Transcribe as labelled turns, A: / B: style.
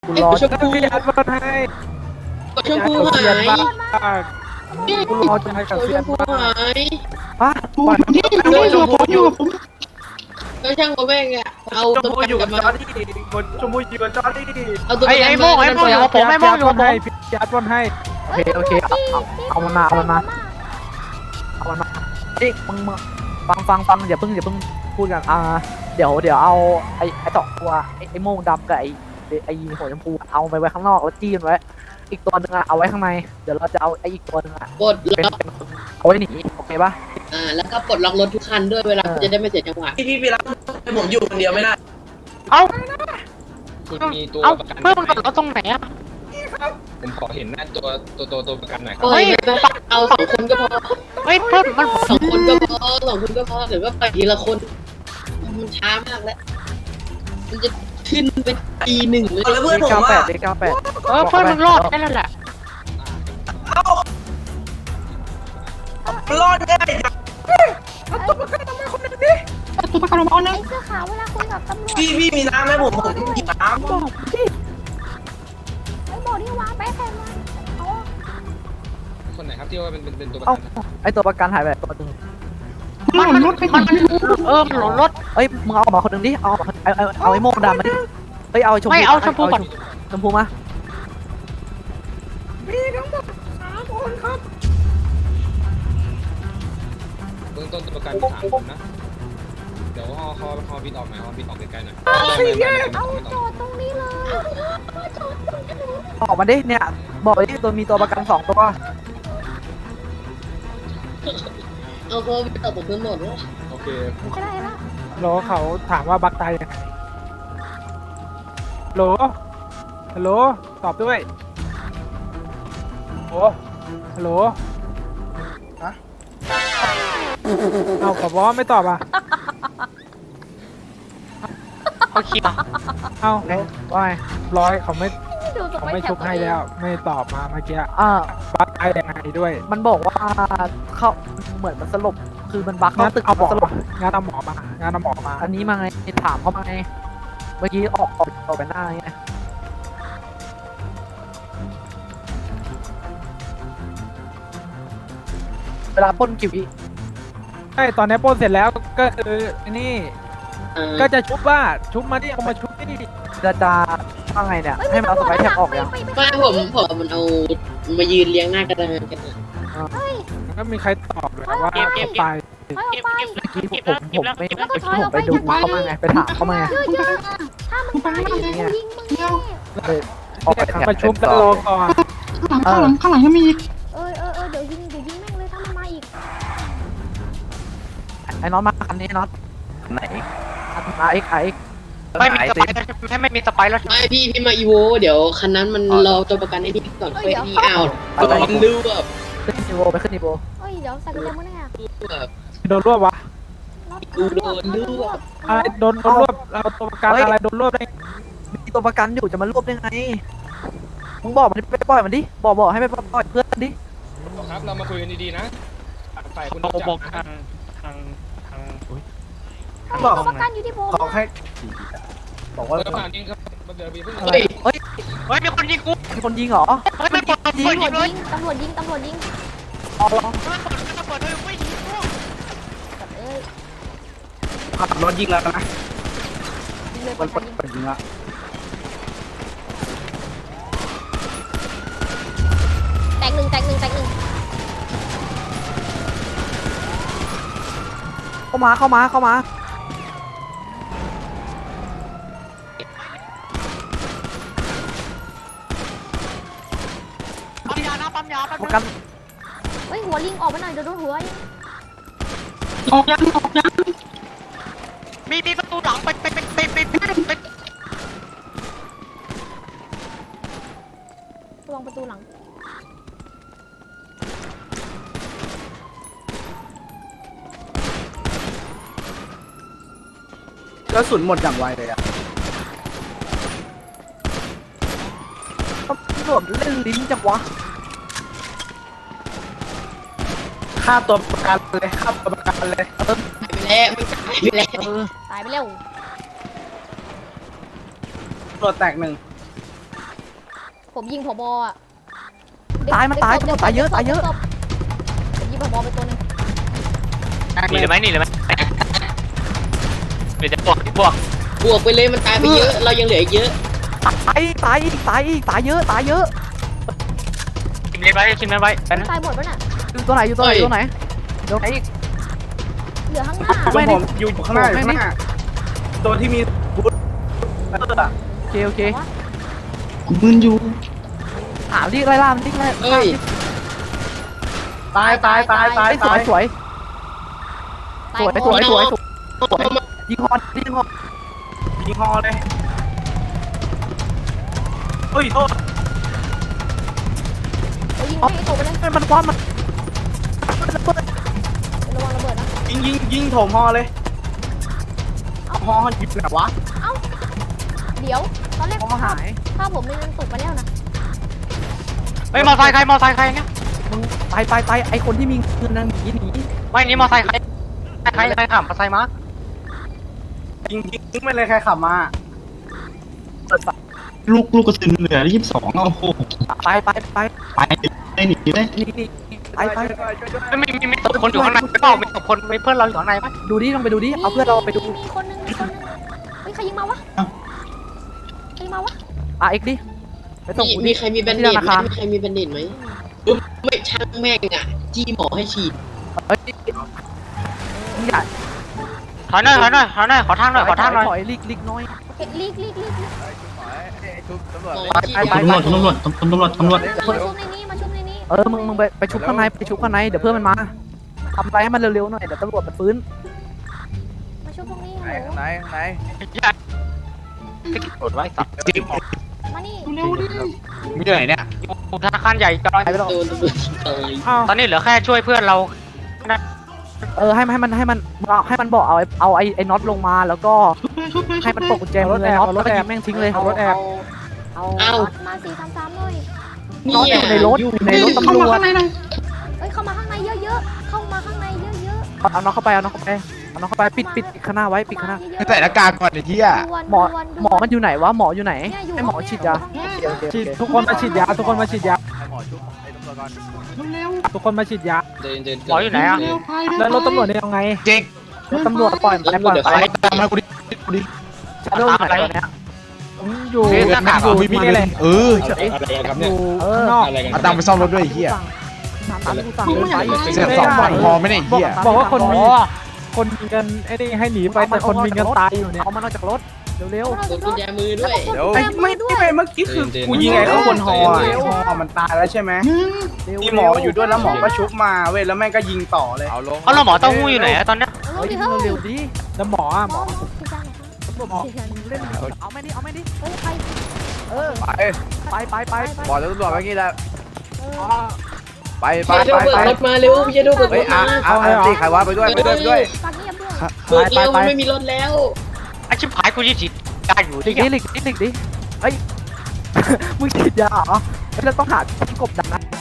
A: กูรอชมพูยัดมาให้
B: ชมพูหาย
A: กูรอจะให้กับเสียน
B: ชมพูหาย
A: ฮะ
C: นี่อยู่กับผมอยู่กับผม
B: แล้วช่างก็แม่งอะเอา
A: ชม
B: ตัว
A: พู
B: ประ
A: อยู่
B: กั
A: กับ
B: น
A: จอร์ดี้ชมพูอยู่กับจอร์ดี้
B: เอาตัวประกัน
D: ไอ้โม่ไอ้โม่
B: มา
D: ของผมไอ้โม่อยู่กับผม
A: พี่ยัดบอลให้โอเคเอามันมาเฮ้ยมึงฟังอย่าเพิ่งพูดกันเดี๋ยวเอาไอ้สองตัวไอ้โม่งดำกับไอ้หัวชมพูเอาไปไว้ข้างนอกแล้วจี้มันไว้อีกตัวนึงเอาไว้ข้างในเดี๋ยวเราจะเอาไอ้อีกตัวนึง
B: ปลดล็อก
A: เอาไว้หนีโอเคป่ะ
B: แล้วก็ปลดล็อกรถทุกคันด้วยเวลาจะได้ไม่เสียจังหวะ
E: พี่ไปรับผมอยู่คนเดียวไม่ได้
D: เอ้า
F: คุณมีตัว
D: เอ้า
F: ประกัน
D: เพื่อนมันกดเราตรงไหนอะ
F: ผมขอเห็นหน้าตัวประกันหน่อยครับ
B: โอ้ยเอา2 คนก็พอ
D: เฮ้ยเพื่อนมัน
B: 2 คนก็พอ2 คนก็พอหรือว่าไปทีละคนมันช้ามากแล้วมันจะขึ้นไปปีหนึ่งเลย
E: แล้วเพื่อนผม
A: 98
E: อ่ะ
A: เลข98
D: เพื่อนมึงรอดแค่นั้นแหละ
E: เอ้ามันรอดง่ายจัง
C: ตัวประกันออกมาคนนึง
G: ไอ้เสื้อขาวเวลาคุยกับตำรวจ
E: พี่มีน้ำไหมผมหยิบน้ำ
G: ไอ้โบนี่วางไปแทนมันเอา
F: คนไหนครับที่ว่าเป็นตัวประ
A: เอ้า
F: กัน
A: ไอตัวประกันหายไปตัวนึง
C: มันหล่นรถไปไหน
D: มันหล่นรถ
A: เอ้ยมึงเอาออกมาคนนึงดิเอาไอ้โม่งดำมาดิเฮ้ยเอาชมพู
D: ไม่เอาชมพูก่อน
A: ชมพูมา
C: มีทั้งหมด3 คนครับ
F: เบื้องต้นตัวประกันมี3 คนนะเดี๋ยวฮอบินออกหน่อยฮอบินออกไกลๆหน่อย
G: เอาโจทย์ตรงนี้เลย
A: ออกมาดิเนี่ยบอกไปดิตัวมีตัวประกัน2 ตัว
B: เอาเขาไปต่อผมทั้งหมดแล้ว
F: โอเค
G: ไม่ได้ละ
A: โหลเขาถามว่าบักตายยังไงโหลฮัลโหลตอบด้วยโอ้ฮัลโหลฮะเอาขอบอกว่าไม่ตอบอ่ะ
D: เขาคิดอ่ะ
A: เอาว่าไงร้อยเขาไม่
G: ดูส
A: เขา
G: ไป
A: ไม่
G: แถ
A: ชุ
G: บบ
A: ให้แล้วไม่ตอบมาเมื่อกี้บักตายยังไงด้วย มันบอกว่าเขาเหมือนมันสลบคือมันบักเข้าตึกเอาสลบงานเอาหมอมาอันนี้มาไงถามเขามาไงเมื่อกี้ออกไปหน้าไงเวลาปล้นกี่วิใช่ตอนนี้ปล้นเสร็จแล้วก็คือนี่ก็จะชุบมาดิเอามาชุบดิจะว่าไงเนี่ยให้มันเอาสไปร์แท็บออกยัง
B: ไม่ผมมันเอามายืนเลี้ยงหน้ากระดานกัน
A: ก็มีใครตอบเลยว่าเขาไป
G: ถอยออกไป
A: เมื่อกี้ผมไปดูเขามาไงไปถามเขามาไง
G: เยอะๆถ้ามึงไปกูยิงมึงแน่
A: เลยออกไปทางประชุมกันรอก่อน
C: ข้างหลังยังมีอีก
G: เดี๋ยวยิงแม่งเลยถ้ามันมาอีก
A: ไอ้น็อตมาคันนี้น็อตไหนมาเอ็กไอ
D: ไม่มีสไปร์ไม่มีสไปร์แล้ว
B: ไม่พี่มาอีโวเดี๋ยวคันนั้นมันรอตัวประกันไอ้นี่ก่อนค่อยนี่เอาดูแบบ
A: ขึ้นนิโวไปขึ้นนิโว
G: เฮ้ยเดี๋ยวใส่กุญแจมือแน่
A: โดนรวบวะ
B: กูโดนดูแบบ
A: อะไรโดนรวบเราตัวประกันอะไรโดนรวบได้มีตัวประกันอยู่จะมารวบได้ไงมึงบอกมันไปปล่อยมันดิบอกให้ไปปล่อยเพื่อนดิ
F: ครับเรามาคุยกันดีๆนะฝ่ายคุณ
D: บอก
F: จั
D: บอก
F: นะ
D: ทาง
G: ตัวประกันอยู่ที่ผม
A: ขอให้บอกว่า
F: เดี๋ยวผ่านเองครับเดี๋ยวพี่เพิ่ง
A: เฮ้ย
D: เฮ้ยมีคนยิงกู
A: มีคนยิงเหรอ
D: เฮ้ยไม่กดเปิดยิงเลย
G: ตำรวจยิง
A: อ๋อเหรอ
D: เปิดเลยไม่ยิงกู
G: เอ้ย
E: ขับรถยิงแล้วนะ
G: ยิงเลย
A: มัน
G: ประ
A: เปิ
G: กัน
A: ดยิงละ
G: แตกหนึ่ง
A: เข้ามา
D: ปั๊มยานะปั๊มยาปั๊ม
A: ประ
D: ยา
A: กัน
G: เฮ้ยหัวลิงออกไปหน่อยเดี๋ยวโดนหัว
C: ออกยัง
D: มีประตูหลังไป
G: ระวังประตูหลัง
E: กระสุนหมดอย่างไวเลยอ่ะ
A: ตำรวจเล่นลิ้นจังวะ
E: ฆ่าตัวประกันเลยฆ่าตัวประกันเลย
G: ตายไปแล้ว
E: ตัวแตก1
G: ผมยิงผบอ่ะ
A: ตายมันตายตายเยอะตายเยอะ
G: ผมยิงผบไปตัวนึง
D: หนีเลยไหมหนีเลยไหมเดี๋ยวจะบวก
B: บวกไปเลยมันตายไปเยอะ เรายังเหลืออีกเยอะ
A: ตายอีกตายเยอะตายเยอะ
D: ชิมเล่นไว้ชิมเล่นไว้ไปนะ
G: ตายหมดปะน่ะ
A: อยู่ตัวไหนอยู่ตัวไหนอยู่ตัวไหนเดี๋ยวไหนอีก
G: เหลือข้างหน้า
E: ผมอยู่ข้างหน้าอยู่ข้างหน้าตัวที่มีบูท
A: โอเค
C: กูมึนอยู่
A: หาดิไล่ล่ามันดิไล่
B: เอ้ย
E: ตาย
A: สวยสวย
G: ตาย
A: สวย
G: หมด
A: สวยยิงฮอนยิงฮอน
E: ยิงฮอเลยเฮ้ยโทษ
G: เอายิงให้ตกไปเลย
A: มันคว้ามัน
G: ระวังระเบิดนะ
E: ยิงโถมฮอเลยฮอหยิบไหนวะ
G: เดี๋ยวตอนแรก
A: ฮอหาย
G: ถ้าผมไม่นั่นตกไปแล้วนะ
D: เฮ้ยมอไซค์ใครเนี่ย
A: มึงไปไอคนที่มีเงินนั่นหนี
D: ไม่นี่มอไซค์ใครขับมอไซค์มา
E: ยิงไม่เลยใครขับมา
C: ลูกกระสุนเหลือ22โอ้โห
A: ไป
C: ไปหนีเลย
A: นี่ไป
D: มีตบคนอยู่ข้างในเปล่ามีตบคนมีเพื่อนเราอยู่ข้างในไหม
A: ดูดิลองไปดูดิเอาเพื่อนเราไปดู
G: มีคนนึงเฮ้ยใครยิงมาวะใครยิงมาวะ
A: เอ็กดิไปส่ง
B: มีใครมีแบนเดตไหมมีใครมีแบนเดตไหมไม่ช่างแม่งอ่ะ จี้หมอให้ฉีด
A: เฮ้ยอย่า
D: ถอยหน่อยขอทางหน่อย
A: ถอยลิกน้อย
G: โอเคลีก
B: หมอฉีด
C: ตำรวจ
G: มาชุบในนี้มาชุบในนี้
A: มึงไปชุบข้างในเดี๋ยวเพื่อนมันมาทำอะไรให้มันเร็วๆหน่อยเดี๋ยวตำรวจมันฟื้น
G: มาชุบตรงนี้
E: ไหน
D: กดไว้สับ
G: มานี่
C: เร็วดิ
E: มีที่ไหนเนี่ย
D: ธนาคารใหญ่จอย
A: ไปแล้ว
B: โดนตำรวจตาย
D: ตอนนี้เหลือแค่ช่วยเพื่อนเรา
A: ให้มันบอกเอาไอ้น็อตลงมาแล้วก็
C: ชุบไป
A: ให้มันตกกุญแจมือไอ้น็อตแล้วก็ยิงแม่งทิ้งเลยเอารถแอบ
G: เอามา433เลย
A: น็อตอยู่ในรถตำ
C: เข้าร มาว
A: จ
C: ข้างในหน่อย
G: เฮ้ยเข้ามาข้างในเยอะๆเข้ามาข้างในเยอะ
A: เอาน็อตเข้าไปปิดข้างหน้าไว้ปิดข้างหน้า
G: ๆ
E: ใส่หน้ากากก่อนไอ้ที่อ่ะ
A: หมอมันอยู่ไหนวะหมออยู่ไหนให้หมอฉีดยาทุกคนมาฉีดยา
C: เร็ว
B: ทุกคนมาฉีดยา
D: หมออยู่ไหนอ่ะ
C: เร็วไป
A: แล้วรถตำรวจเนี่ยยังไง
E: เจ๊ก
A: รถตำรวจปล่อยไป
E: ตามมากูดิ
A: ชาโดว์อยู่ไหนตอนเนี้ยอยู่
D: หน้ากาก
E: มีมีอะไรเออ
F: อะไรกันครับเนี่ย
A: ข้างนอก
F: อะไรกัน
E: เอาตังค์ไปซ่อมรถด้วยไอ้เหี้ย เสียสองฝั่งพอไหมเนี่ยไอ้เหี้ย
A: บอกว่าคนมีเงินไอ้นี่ให้หนีไปแต่คนมีเงินตายอยู่เนี่ยเอามันออกจากรถเร็ว
B: กดกุญแจมือด้วย
E: ไอ้ไม่เมื่อกี้คือกูยิงไอ้ข้างบนฮอมันตายแล้วใช่ไหมมีหมออยู่ด้วยแล้วหมอก็ชุบมาเว้ยแล้วแม่งก็ยิงต่อเลย
F: เอาลง
D: เอาแล้วหมอเต้าหู้อยู่ไหนตอนนี้
G: เร็วดิเฮ้ย
A: เร็วดิแล้วหมออ่ะ
G: หมอฉีดยาหน่อยครับ
A: เล่นเอาไม่ดิ
G: เฮ้ยใคร
A: ไป
E: บอกตำรวจไว้งี้แล้ว ไป
B: เยโดเบิกรถมาเร็วเยโดเบิกรถมา
E: ตีใครวะไปด้วย
G: ปากเงียบด้วย
B: เบิกเร็วมันไม่มีรถแล้ว
D: ไอชิบหายกูยี่สิบได้อยู่
A: หลี
D: ที่
A: กดิเฮ้ยมึงฉีดยาเหรอแล้วต้องหาที่กบดันนะ